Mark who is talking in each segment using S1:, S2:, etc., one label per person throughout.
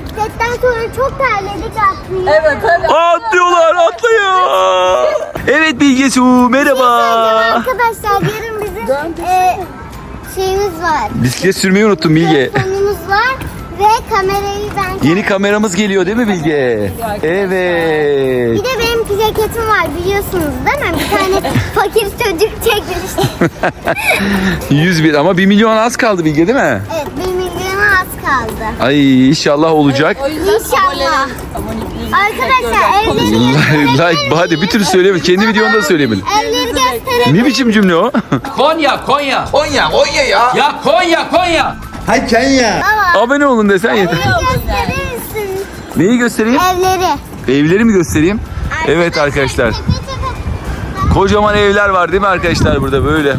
S1: bisikletten sonra çok terledik atlıyor.
S2: Evet hadi.
S3: Atlıyorlar, atlıyor. Evet Bilge Su, merhaba.
S1: Arkadaşlar yarın bizim şeyimiz var.
S3: Bisiklet sürmeyi unuttum Bilge.
S1: Telefonumuz var ve kamerayı ben...
S3: Yeni kameramız geliyor değil mi Bilge? Evet.
S1: Bir de benim ceketim var biliyorsunuz değil mi? Bir tane fakir çocuk çekmişti.
S3: 101 ama 1 milyon az kaldı Bilge değil mi?
S1: Evet 1 milyona az kaldı.
S3: Ay inşallah olacak.
S2: O yüzden
S1: İnşallah. Arkadaşlar evleri
S3: Like hadi bir türlü söyleyemedin. Kendi videonda da söyleyemedin.
S1: evleri gösterelim.
S3: Ne biçim cümle o?
S4: Konya, Konya.
S5: Konya ya.
S4: Ya Konya, Konya.
S5: Hay Kenya.
S1: Baba
S3: Abone olun desen yeter.
S1: evleri gösterir misin?
S3: Neyi göstereyim?
S1: Evleri.
S3: Evleri mi göstereyim? Evet arkadaşlar. Kocaman evler var değil mi arkadaşlar burada böyle?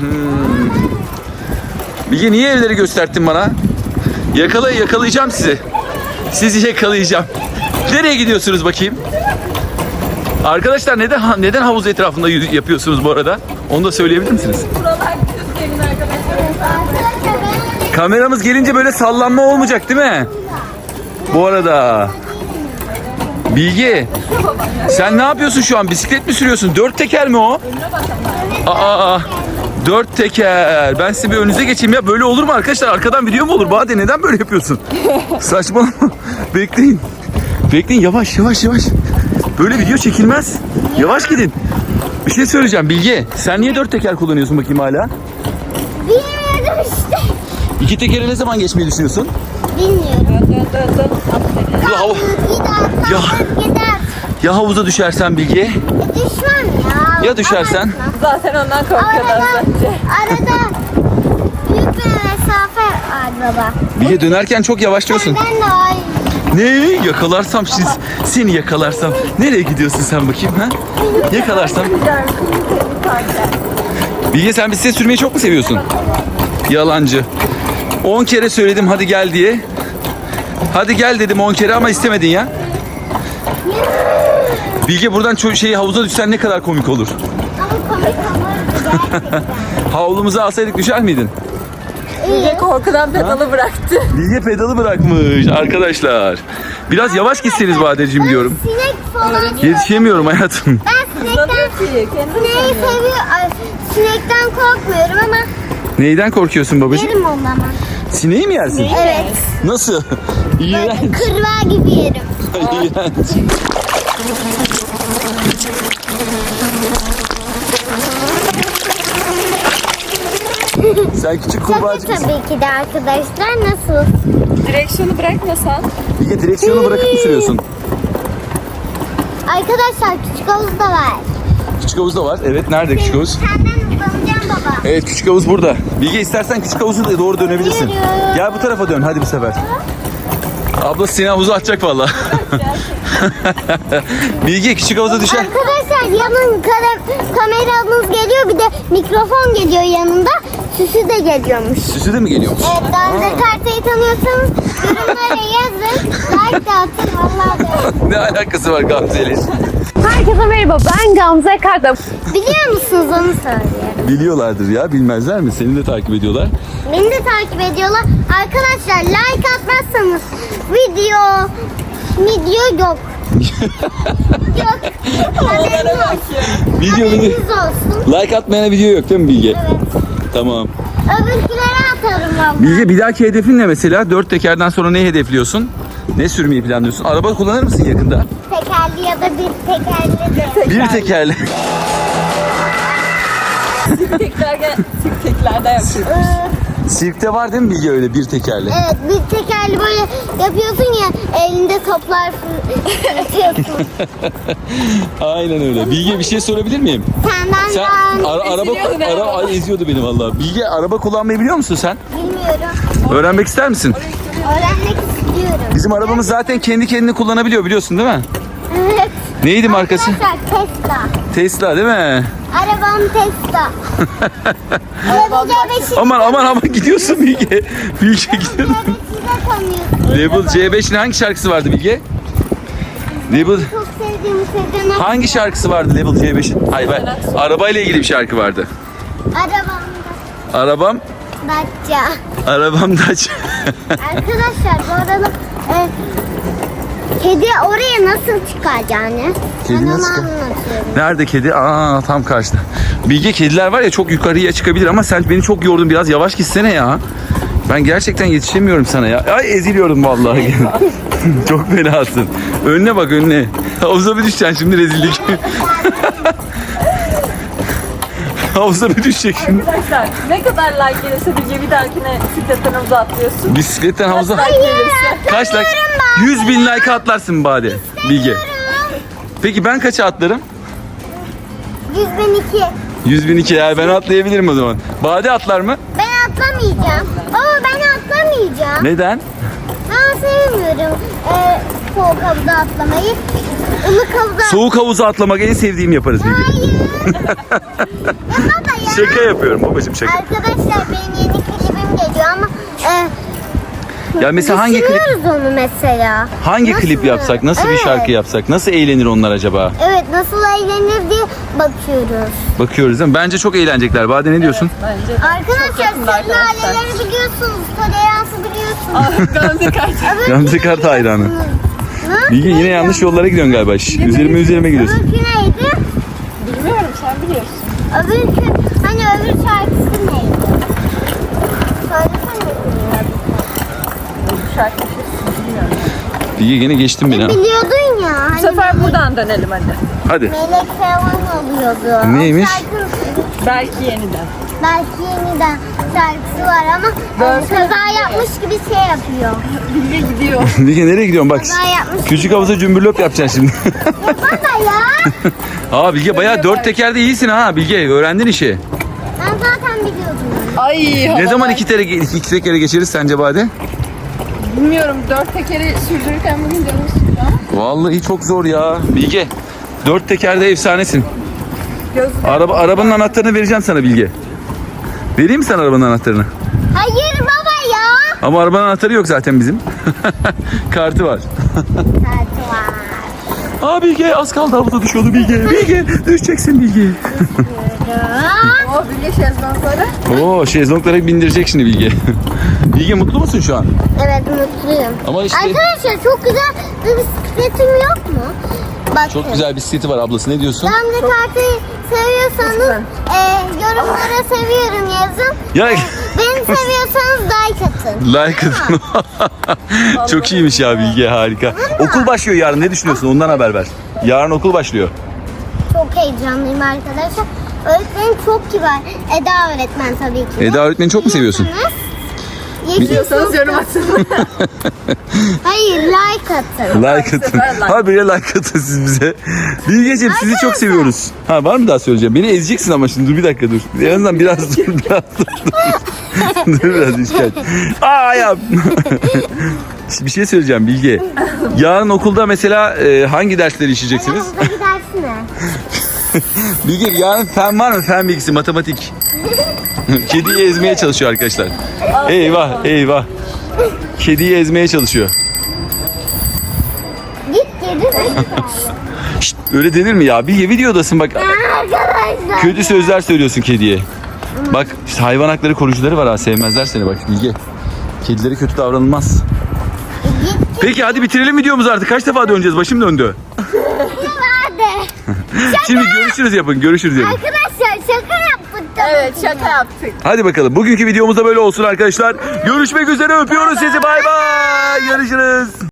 S3: Bilge niye evleri gösterdin bana? Yakalayacağım sizi. Sizi yakalayacağım. Nereye gidiyorsunuz bakayım? Arkadaşlar neden havuz etrafında yapıyorsunuz bu arada? Onu da söyleyebilir misiniz?
S2: buralar düz gelin arkadaşlar.
S3: Kameramız gelince böyle sallanma olmayacak değil mi? Bu arada. Bilge, sen ne yapıyorsun şu an? Bisiklet mi sürüyorsun? 4 teker mi o? Aa, 4 teker. Ben size bir önünüze geçeyim ya. Böyle olur mu arkadaşlar? Arkadan video mu olur? Bade neden böyle yapıyorsun? Saçmalama. Bekleyin. Bekleyin yavaş. Böyle video çekilmez. Yavaş gidin. Bir şey söyleyeceğim Bilge. Sen niye 4 teker kullanıyorsun bakayım hala?
S1: Bilmiyorum işte.
S3: 2 tekere ne zaman geçmeyi düşünüyorsun?
S1: Bilmiyorum.
S2: Dön.
S3: Ya, Ya.
S1: Gider.
S3: ya havuza düşersen Bilge?
S1: Düşmem ya.
S3: Ya düşersen?
S2: Zaten ondan korkuyorlar bence.
S1: Arada büyük bir mesafe var baba.
S3: Bilge dönerken çok yavaşlıyorsun.
S1: Ben de var.
S3: Ne? Yakalarsam seni yakalarsam. Nereye gidiyorsun sen bakayım ha? Yakalarsam. Bilge sen bisiklet sürmeyi çok mu seviyorsun? Yalancı. 10 kere söyledim hadi gel diye. Hadi gel dedim 10 kere ama istemedin ya. Bilge buradan havuza düşsen ne kadar komik olur.
S1: Ama komik olurdu gerçekten.
S3: Havlumuzu alsaydık düşer miydin?
S2: Bilge korkudan pedalı bıraktı.
S3: Bilge pedalı bırakmış arkadaşlar. Biraz yavaş gitseniz Badeciğim diyorum.
S1: Sinek falan.
S3: Yetişemiyorum hayatım.
S1: Ben
S2: Hızlanıyor ki.
S1: sineği seviyorum. Sinekten korkmuyorum ama
S3: Neyden korkuyorsun babacığım?
S1: yerim onu ama.
S3: Sineği mi yersin?
S1: Evet.
S3: Nasıl? İğrenç.
S1: Kırbağa gibi yerim.
S3: İğrenç. Sen küçük
S1: Şaka
S3: kurbağacık mısın?
S1: tabii ki de arkadaşlar. Nasıl?
S2: Direksiyonu bırakmasan.
S3: Bilge direksiyonu bırakıp mı sürüyorsun?
S1: Arkadaşlar küçük havuz da var.
S3: Küçük havuz da var. Evet nerede küçük havuz?
S1: Senden hızlanacağım baba.
S3: Evet küçük havuz burada. Bilge istersen küçük havuzu da doğru dönebilirsin.
S1: Yürü.
S3: Gel bu tarafa dön hadi bu sefer. Abla seni havuza atacak valla. Bilge küçük havuza düşer.
S1: Arkadaşlar yanın kameramız geliyor, bir de mikrofon geliyor yanında. Süsü de geliyormuş.
S3: Süsü de mi geliyor?
S1: Evet, Gamze Karta'yı tanıyorsanız yorumlara yazın. Like de atın vallahi.
S3: Ne alakası var Gamze'yle?
S2: Herkese merhaba, ben Gamze Karda.
S1: Biliyor musunuz onu söylüyorum.
S3: Biliyorlardır ya, bilmezler mi? Seni de takip ediyorlar.
S1: Beni de takip ediyorlar. Arkadaşlar like atmazsanız video yok. Yok. Haberiniz olsun.
S3: Video
S1: Haberiniz olsun.
S3: Like atmayana video yok değil mi Bilge?
S1: Evet.
S3: Tamam.
S1: Öbürkülere atarım valla.
S3: Bilge bir dahaki hedefin ne mesela? 4 tekerden sonra ne hedefliyorsun? Ne sürmeyi planlıyorsun? Araba kullanır mısın yakında?
S1: Tekerli ya da bir tekerli.
S3: Bir tekerle.
S2: Sirkeklerde yapıyoruz.
S3: Sirkte var değil mi Bilge öyle bir tekerle?
S1: Evet, bir tekerli böyle yapıyorsun ya, elinde toplar atıyorsun.
S3: Aynen öyle. Bilge bir şey sorabilir miyim?
S1: Senden
S3: Araba eziyordu beni vallahi. Bilge araba kullanmayı biliyor musun sen?
S1: bilmiyorum.
S3: Öğrenmek ister misin?
S1: Öğrenmek istiyorum.
S3: Bizim arabamız zaten kendi kendini kullanabiliyor biliyorsun değil mi?
S1: Evet.
S3: Neydi markası?
S1: Arkadaşlar Tesla.
S3: Tesla değil mi?
S1: Arabam Tesla. Level C5'i
S3: Aman gidiyorsun Bilge. Bilge gidiyorsun.
S1: tanıyorsun.
S3: Level C5'in hangi şarkısı vardı Bilge? Level
S1: Çok sevdiğim Sezen Aksu.
S3: hangi şarkısı vardı Level C5'in? Hayır ben arabayla ilgili bir şarkı vardı.
S1: Arabamda
S3: Arabam
S1: Dacia.
S3: Dacia.
S1: Arkadaşlar bu arada Kedi oraya nasıl çıkar yani?
S3: Kedi
S1: Ben onu
S3: nasıl çıkar?
S1: anlatıyorum.
S3: Nerede kedi? Aa, tam karşıda. Bilge, kediler var ya çok yukarıya çıkabilir ama sen beni çok yordun, biraz yavaş gitsene ya. Ben gerçekten yetişemiyorum sana ya. Ay, eziliyorum vallahi. Çok fenasın. Önüne bak, önüne. Havuza bir düşeceksin şimdi, rezillik. Havuza bir düşecek şimdi.
S2: Arkadaşlar ne kadar like gelirse Bilge bir dahakine bisikletten havuza atlıyorsun.
S3: Bisikletten havuza.
S2: Like gelirse.
S3: Kaç like? 100 bin like atlarsın Bade. Bilge. Peki ben kaça atlarım?
S1: 100.002.
S3: 100 bin 2 ya, ben atlayabilirim o zaman. Bade atlar mı?
S1: Ben atlamayacağım. Baba ben atlamayacağım.
S3: Neden?
S1: Ben sevmiyorum soğuk havuza atlamayı. Ilık havuza
S3: Soğuk havuza atlamak en sevdiğim, yaparız Bilge.
S1: Hayır. Ya baba ya.
S3: Şaka yapıyorum babacığım, şaka.
S1: Arkadaşlar benim yeni klibim geliyor ama
S3: Ya mesela hangi klip
S1: düşünüyoruz onu mesela.
S3: hangi
S1: Nasıl?
S3: klip yapsak? Nasıl bir
S1: Evet.
S3: şarkı yapsak? Nasıl eğlenir onlar acaba?
S1: Evet nasıl eğlenir diye bakıyoruz.
S3: Bakıyoruz değil mi? Bence çok eğlenecekler. Bade ne diyorsun?
S2: Bence de.
S1: Arkadaşlar
S2: yakında
S1: siz
S2: arkadaşlar.
S1: aileleri biliyorsunuz. Toleransı biliyorsunuz.
S2: Gamze kaç.
S3: Gamze Kart hayranı. Bilge yine yanlış yollara gidiyorsun galiba. Şş, üzerime gidiyorsun.
S1: Öbürkü neydi?
S2: Bilmiyorum, sen biliyorsun.
S1: Öbürkü hani öbür şarkısı neydi? Söylesene.
S2: Bu şarkı bilmiyorum.
S3: Bilge yine geçtin beni ha.
S1: Biliyordun ya.
S2: Bu
S1: Hani
S2: sefer buradan dönelim hadi.
S3: Hadi.
S1: melek falan oluyordu.
S3: Neymiş?
S1: O şarkı
S2: Belki yeniden.
S1: belki yeniden şarkısı var ama kaza yapmış gibi şey yapıyor.
S2: Bilge gidiyor.
S3: Bilge nereye gidiyorsun bak.
S1: Kaza yapmış.
S3: Küçük havuza cümbürlöp yapacaksın şimdi.
S1: Baba ya.
S3: Aa Bilge bayağı 4 tekerde iyisin ha Bilge. Öğrendin işi.
S1: Ben zaten biliyordum.
S2: Ay
S3: Ne zaman iki tekere geçeriz sence Bade?
S2: Bilmiyorum, 4 tekeri sürdürürken bugün canım sıktı ama.
S3: Vallahi çok zor ya. Bilge 4 tekerde efsanesin.
S2: Gözlük.
S3: Arabanın anahtarını vereceğim sana Bilge. Vereyim mi sana arabanın anahtarını?
S1: Hayır baba ya.
S3: Ama arabanın anahtarı yok zaten bizim. Kartı var.
S1: Kartı var.
S3: Aa Bilge az kaldı, havuza düşüyordu Bilge. Bilge düşeceksin Bilge.
S2: O Bilge şezlongları.
S3: Oo şezlonglara bindirecek şimdi Bilge. Bilge mutlu musun şu an?
S1: Evet mutluyum.
S3: Ama işte
S1: Arkadaşlar çok güzel bir bisikletim yok mu? Bakın.
S3: çok güzel bisikleti var ablası, ne diyorsun?
S1: Gamze Kart'ı seviyorsanız yorumlara seviyorum yazın.
S3: Ya
S1: Beni seviyorsanız like atın.
S3: like atın. Çok iyiymiş ya Bilge, harika. Okul başlıyor yarın, ne düşünüyorsun? Ondan haber ver. Yarın okul başlıyor.
S1: Çok heyecanlıyım arkadaşlar. Öğretmenim çok kibar. Eda öğretmen tabii ki. de.
S3: Eda öğretmeni çok mu seviyorsun?
S1: Yeşil
S2: Diyorsanız
S1: çok-
S2: yorum atın.
S1: Hayır like atın.
S3: Like atın.
S2: sefer like.
S3: Habire like atın siz bize. Bilgeciğim sizi çok seviyoruz. Ha var mı daha söyleyeceğim? Beni ezeceksin ama şimdi, dur bir dakika dur. En azından biraz dur. Biraz dur. Dur biraz işkence. Aa ayağım. Bir şey söyleyeceğim Bilge. Yarın okulda mesela hangi dersleri işleyeceksiniz?
S1: Havuzdaki dersi ne?
S3: Bilge yarın fen var mı? Fen bilgisi, matematik. Kediyi ezmeye çalışıyor arkadaşlar. Eyvah eyvah. Kediyi ezmeye çalışıyor.
S1: Git geri.
S3: Şşt, öyle denir mi ya? Bilge videodasın bak.
S1: Arkadaşlar.
S3: Kötü sözler söylüyorsun kediye. Bak işte hayvan hakları koruyucuları var ha, sevmezler seni bak Bilge. Kedilere kötü davranılmaz. Peki hadi bitirelim videomuzu artık. Kaç defa döneceğiz? Başım döndü.
S1: Hadi.
S3: Şimdi görüşürüz yapın. Görüşürüz yapın.
S1: Arkadaşlar şaka yaptık. tabii
S2: Evet,
S1: ki
S2: şaka
S1: de.
S2: yaptık.
S3: Hadi bakalım. Bugünkü videomuz da böyle olsun arkadaşlar. Görüşmek üzere. Öpüyoruz sizi. Bay bay. Görüşürüz.